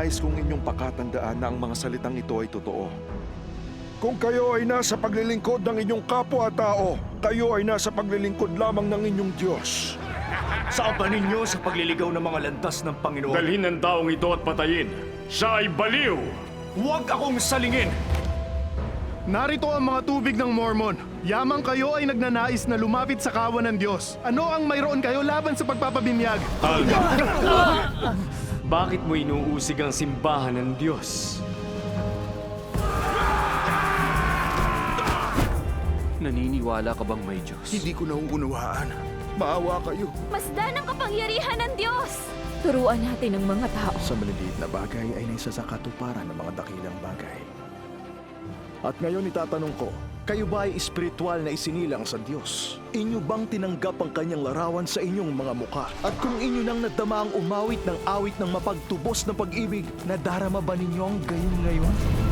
nais kong inyong pakatandaan na ang mga salitang ito ay totoo. Kung kayo ay nasa paglilingkod ng inyong kapwa-tao, kayo ay nasa paglilingkod lamang ng inyong Diyos. Saan ba ninyo sa pagliligaw ng mga landas ng Panginoon? Dalhin ang taong ito at patayin. Siya ay baliw! Huwag akong salingin! Narito ang mga tubig ng Mormon. Yamang kayo ay nagnanais na lumapit sa kawan ng Diyos. Ano ang mayroon kayo laban sa pagpapabinyag? Bakit mo inuusig ang simbahan ng Diyos? Naniniwala ka bang may Diyos? Hindi ko nauunawaan. Maawa kayo. Masdan ang kapangyarihan ng Diyos! Turuan natin ang mga tao. Sa maliliit na bagay ay naisa sa katuparan ng mga dakilang bagay. At ngayon itatanong ko, kayo ba ay espiritual na isinilang sa Diyos? Inyo bang tinanggap ang kanyang larawan sa inyong mga muka? At kung inyo nang nadama ang umawit ng awit ng mapagtubos na pag-ibig, nadarama ba ninyo ang gayon ngayon?